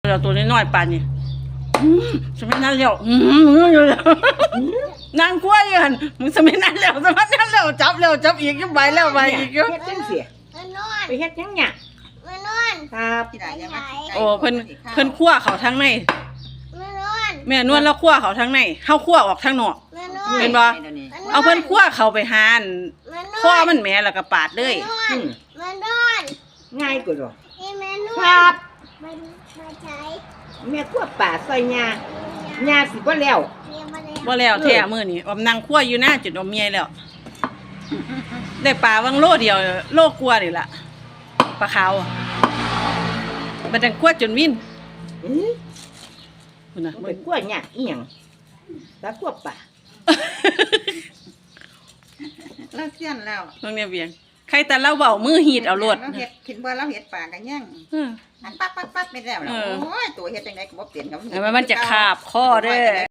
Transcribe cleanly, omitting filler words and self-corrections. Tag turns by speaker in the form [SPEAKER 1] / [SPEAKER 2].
[SPEAKER 1] เราตัวน้อยๆปานนี่สมัยนั้นแล้วนางกล้วยอยู่หั่นมึงสมัยนั้นแล้วสมัยนั้นแล้วจับอีกใบแล้วใบอีก
[SPEAKER 2] เฮ็ดจังซี่ไปเฮ็ดจังหยังครับ
[SPEAKER 1] โอ้เพิ่นคั่วเขาทั้งในแม่นวลแล้วคั่วเขาทั้งในเฮาคั่วออกทั้งนอกเห็นบ่เอาเพิ่นคั่วเขาไปหานข้อมันแหมแล้วก็ปาดเลย
[SPEAKER 2] ง่ายกว่าดอกครับแม่คั่วป่าซอยญาสิบ่แล้ว
[SPEAKER 1] บ่แล้วแท้มื้อนี้อมนั่งคั่วอยู่หน้าจุดอมเมียแล้วได้ปลาวังโลเดียวโลกลัวนี่ล่ะปลาขาวบัดนั้นคั่วจนวินพุ่นน่ะ
[SPEAKER 2] ไปคั่วหยังอีหยังตาคั่วป่า
[SPEAKER 3] เราเสี้ยนแล้ว
[SPEAKER 1] น้องเนี่ยเบียงใครแต่เราเว้ามือหีดเอาโลด
[SPEAKER 3] เราเฮ็ดคิดว่าเราเฮ็ดปากกันยังอันปั๊บไปแล้วโอ้ยตัวเฮ็ดจังได๋ก็บ่เปลี่ยนกับ
[SPEAKER 1] มันจะคาบคอเด้อ